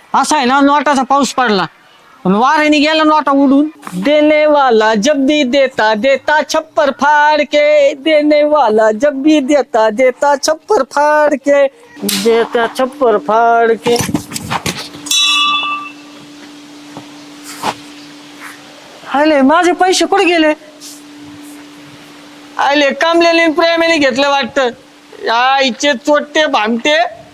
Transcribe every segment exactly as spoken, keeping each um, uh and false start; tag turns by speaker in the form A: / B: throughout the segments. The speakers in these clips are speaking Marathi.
A: असा आहे ना नोटाचा पाऊस पडला पण वाऱ्याने गेला नोटा उडून. देने वाला जब भी देता देता छप्पर फाड़ के, देने वाला जब भी देता देता छप्पर फाड़ के, देता छप्पर फाड़ के. आले माझे पैसे कुठे गेले? आले कामलेले प्रेमाने घेतलं वाटतं. या इच्छे चोट्टे भामटे.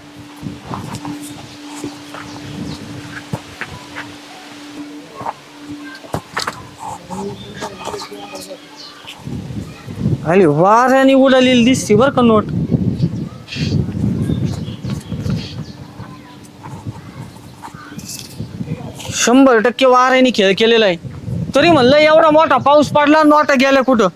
A: अरे वाऱ्याने उडालेली दिसते बर का नोट. शंभर टक्के वाऱ्याने खेळ केलेला आहे. तरी म्हणलं एवढा मोठा पाऊस पडला नोटा गेल्या कुठं.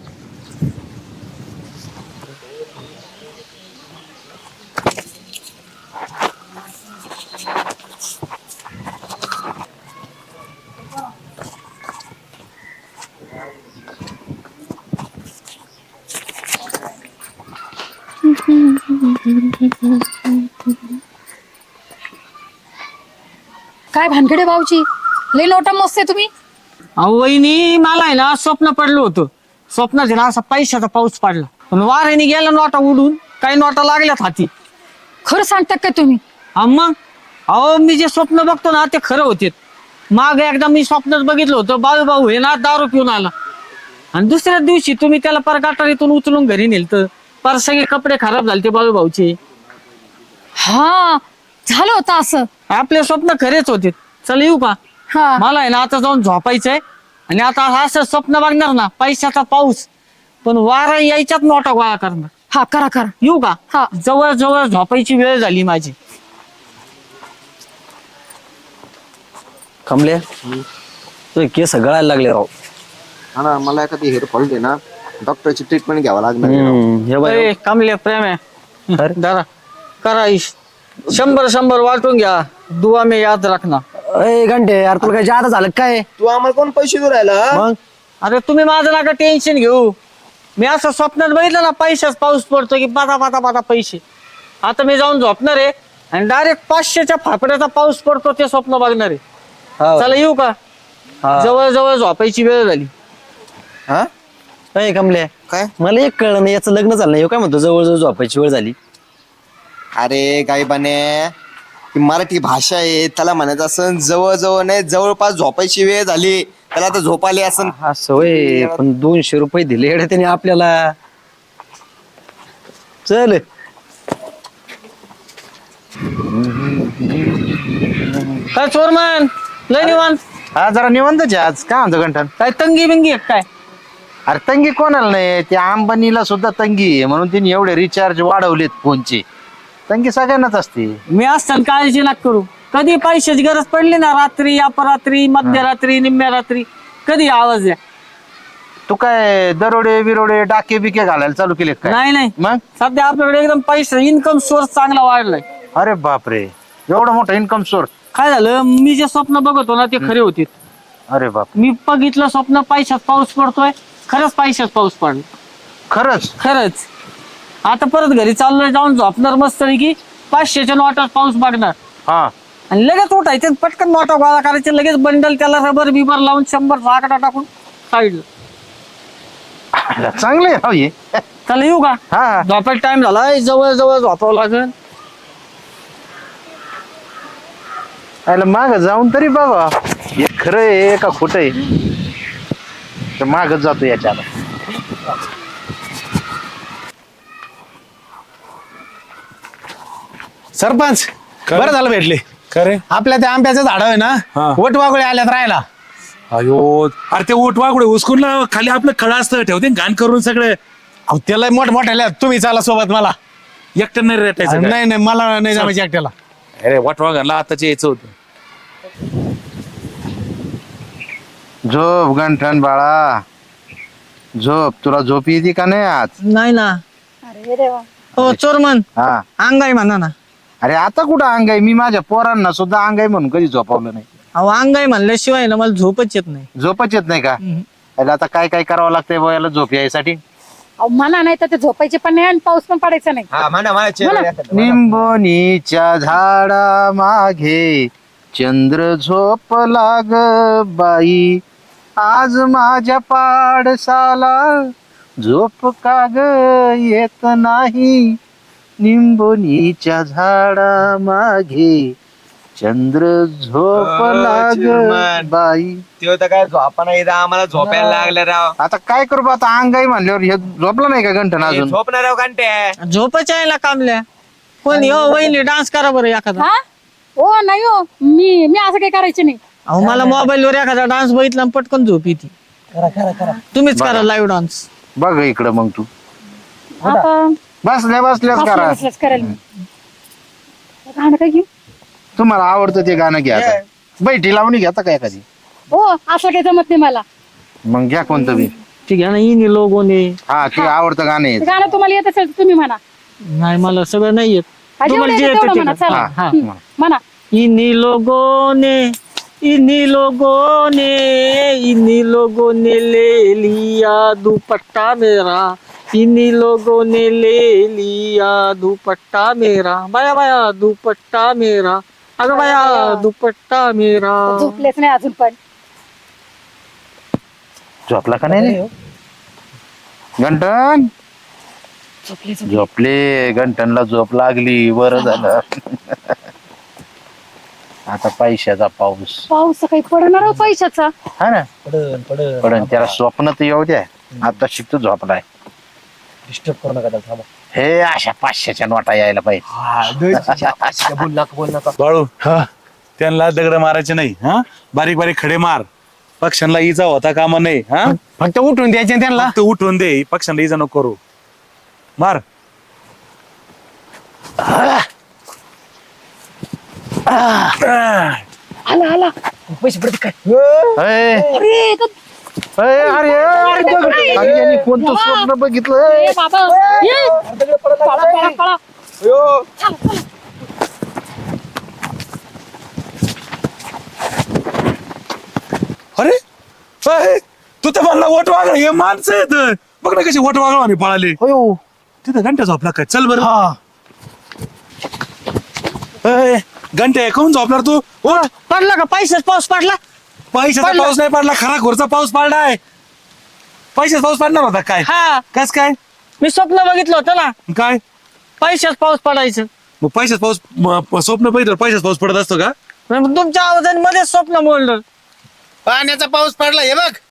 B: काय भानगडे भाऊची लय नोटा मस्त आहे तुम्ही.
A: अहो वहिनी मला आहे ना स्वप्न पडलं होतं. स्वप्नात आहे ना असा पैशाचा पाऊस पडला पण वाऱ्याने गेला नोटा उडून. काही नोटा लागल्यात हाती.
B: खरं सांगता काय तुम्ही?
A: हा मग अहो मी जे स्वप्न बघतो ना ते खरं होते. माग एकदा मी स्वप्नात बघितलं होतं बाळू भाऊ हे ना दारू पिऊन आला आणि दुसऱ्या दिवशी तुम्ही त्याला पर गटारीतून उचलून घरी नेलतं. पर सगळे कपडे खराब झाले ते बाळू भाऊचे.
B: हा झालं होतं असं.
A: आपले स्वप्न खरेच होते. चल येऊ का?
B: हा
A: मला आहे ना आता जाऊन झोपायचंय आणि आता असं स्वप्न बघणार ना पैशाचा पाऊस पण वारा यायच्यात नोटा गोळा करणार.
B: हा करा करा.
A: येऊ का?
B: हा
A: जवळ जवळ झोपायची वेळ झाली माझी.
C: कमले तुझे केस गळायला लागले राव.
D: हा ना मला एखादी हेअरफॉल दे ना डॉक्टरची ट्रीटमेंट घ्यावं लागणार आहे राव.
C: हम्म, हे बघ
A: ए, कमले प्रेम आहे
C: अरे.
A: जरा करा इश. शंभर शंभर वाटून घ्या. दुआ में याद रखना.
C: अय घंटे यार तुला काय जादा झालं काय?
D: तू आम्हाला कोण पैसे देऊ राहिला हा?
C: मग
A: अरे तुम्ही माझं नका टेन्शन घेऊ. मी असं स्वप्नात बघितलं ना पैशाच पाऊस पडतो की पाता पाता पाता पैसे. आता मी जाऊन झोपणार आहे आणि डायरेक्ट पाचशेच्या फाफड्याचा पाऊस पडतो ते स्वप्न बघणार आहे.
C: हा.
A: चला येऊ का?
C: हा.
A: जवळ जवळ झोपायची वेळ झाली.
D: हा?
C: अय कमले
D: काय
C: मला एक कळलं नाही याचं लग्न झालं नाही ह्यो काय म्हणतो जवळ जवळ झोपायची वेळ झाली.
D: अरे गायबाने ही मराठी भाषा आहे त्याला म्हणायचं असं जवळ जवळ नाही जवळपास झोपायची वेळ झाली त्याला आता झोप आली असं.
C: हा सवय पण दोनशे रुपये दिले एवढे त्याने आपल्याला. चल
A: काय चोरमन लय निवांत.
E: हा जरा निवंतच आहे आज काय म्हणतो गंठन.
A: काय तंगी बिंगी आहे काय?
E: अरे तंगी कोणाला नाही त्या अंबानीला सुद्धा तंगी आहे म्हणून तिने एवढे रिचार्ज वाढवलेत फोनचे. तंगी सगळ्यांनाच असते.
A: मी असताना काळजी नका करू. कधी पैशाची गरज पडली ना रात्री अपरात्री मध्यरात्री निम्म्या रात्री कधी आवाज द्या.
E: तू काय दरोडे बिरोडे डाके बिके घालायला चालू केले काय?
A: नाही नाही
E: मग
A: सध्या आपल्याकडे एकदम पैसा इन्कम सोर्स चांगला वाढलाय.
E: अरे बापरे एवढा मोठा इन्कम सोर्स.
A: काय झालं मी जे स्वप्न बघतो ना ते खरे होते.
E: अरे बाप
A: मी बघितलं स्वप्न पैशात पाऊस पडतोय. खरंच पैशात पाऊस पडला.
E: खरंच.
A: खरंच. आता परत घरी चाललोय जाऊन झोपणार मस्त की पाचशेच्या नोटात पाऊस बघणार
E: हा
A: आणि लगेच उठायचे पटकन नोटा गोळा करायचे लगेच बंडल त्याला रबर बिबर लावून शंभर आकडा टाकून साईडला.
E: चांगले राव हे.
A: चला येऊ का?
E: हा
A: झोपायचा टाइम झालाय जवळ जवळ झोपावं लागेल.
E: अरे माग जाऊन तरी बघा हे खरं आहे का खोटं आहे. तर मागच जातो याच्याला.
F: सरपंच बरं झालं भेटले.
G: खरे
F: आपल्या त्या आंब्याचं झाड आहे ना
G: हा.
F: वटवागळे आल्यात राहायला.
G: अयो अरे ते ओटवाकडे उचकून ना खाली आपलं खळा असतं ठेवते घाण करून सगळे.
F: अहो त्याला मोठ मोठ्या तुम्ही चाला सोबत मला.
G: एकटं नाही रेटायचं काय?
F: नाही नाही मला नाही जमायचं एकट्याला.
G: अरे वटवागरला आताच यायचं होतं.
E: झोप गंठन बाळा झोप. तुला झोप येते का नाही आज?
A: नाही ना.
B: अरे देवा.
A: हो चोरमन
E: हा
A: अंगाई म्हणा ना.
E: अरे आता कुठं अंग आहे? मी माझ्या पोरांना सुद्धा अंग आहे म्हणून कधी झोपावलं नाही.
A: अहो अंगाई म्हणल्याशिवाय ना मला झोपच येत नाही.
E: झोपच येत नाही का? अरे आता काय काय करावं लागतंय बा याला झोप यायसाठी?
B: अहो म्हणा नाही तर ते झोपायचे पण नाही आणि पाऊस पण पडायचा नाही.
D: हा म्हणा म्हणा चेहरा
B: म्हणा.
D: एखादा, म्हणा.
E: निंबोनीच्या झाडा मागे चंद्र झोप लाग बाई आज माझ्या पाडसाला झोप का ग येत नाही निंबोनीच्या झाडा मागे चंद्र झोप लाग
D: चिरमन.
E: बाई.
D: ते होतं काय झोपाना येतं आम्हाला झोपायला लागलं राव
E: आता काय करू बा, आता अंगाई म्हणल्यावर हे झोपला नाही का घंटन अजून?
D: झोपणार राव घंटे
A: झोपच यायला कामल्या कोणी हो वहिनी डान्स करा बरं एखादा.
B: हा हो नाही हो मी मी असं काही करायचे नाही.
A: अहो मला मोबाईल वर एखादा डान्स बघितला आणि पटकन झोप येते. तुम्हीच करा लाईव्ह डान्स.
E: बघ इकडं मग तू
B: आता
E: बसल्या बसल्याच
B: बसल्या
E: करा.
B: बसल्याच करेल मी. गाणं काय घेऊ?
E: तुम्हाला आवडतं ते गाणं घ्या आता. बैठी लावणी घेता का एखादी?
B: हो असं काही जमत नाही मला.
E: मग घ्या कोणतं बी.
A: ठीक आहे ना इन लोगोने.
E: हा ते आवडतं गाणं आहे.
B: ते गाणं तुम्हाला येत असेल तर तुम्ही म्हणा.
A: नाही मला सगळं नाही येत.
B: हा, जेवढं
A: तुम्हाला जे
B: येतं
A: येतं
B: तेवढं
A: ते
B: म्हणा
A: करा.
B: चला.
E: हा, हा,
B: हम्म, म्हणा.
A: इन्हीं लोगों ने इन्हीं लोगों ने इन्हीं लोगों ने ले लिया दुपट्टा मेरा इन्हीं लोगों ने ले लिया दुपट्टा मेरा बाया बाया दुपट्टा मेरा अगं बाया दुपट्टा मेरा.
B: झोपलेच नाही अजून पण.
E: झोपला का नाही रे घंटन?
B: झोपले झोपले.
E: झोपले घंटनला झोप लागली बरं झालं. आता पैशाचा पाऊस
B: पाऊस काही पडणार हो पैशाचा.
E: हा ना पडन त्याला स्वप्न तर येऊ द्या. आता शिकतो झोपलाय.
C: डिस्टर्ब करू नका त्याला, थांबा.
E: हे अशा पाचशेच्या नोटा यायला पाहिजे.
C: बोल नका बोल नका.
G: बाळू त्यांना दगड मारायचे नाही हा बारीक बारीक खडे मार. पक्ष्यांना इजा होता कामा नाही हा
F: फक्त उठून द्यायचे ना त्यांना.
G: फक्त उठवून दे पक्ष्यांना इजा नको करू. मार.
B: आला आला.
C: पैसे पडते काय?
E: अय,
B: अरे तो-
E: अय, अरे अरे, दगड. अरे, यांनी कोणतं स्वप्न बघितलं?
B: ए बाबा ये. पळा पळा पळा.
G: अरे अय, तू तर म्हणला वोट वागळ हे माणसं येत बघ ना कशी वोट वागळ पळाले.
E: हो
G: तिथं घंटा झोपला काय? चल बरं. अय, घंटे कोण झोपणार तू? उठ.
A: पडला का पैसेच पाऊस पडला.
G: पैशाचा
A: पडला.
G: पाऊस नाही पडला खरा घोरचा पाऊस पडलाय. पैशाचा पाऊस पडणार होता काय?
A: हा
G: कस काय
A: मी स्वप्न बघितलं होतं ना
G: काय
A: पैसेच पाऊस पडायचं.
G: मग पैशाच पाऊस म- स्वप्न पाहिजे पैशाच पाऊस पडत असतो का?
A: मग तुमच्या आवाजाने मध्येच स्वप्न मोडलं.
F: पाण्याचा पाऊस पडला हे बघ.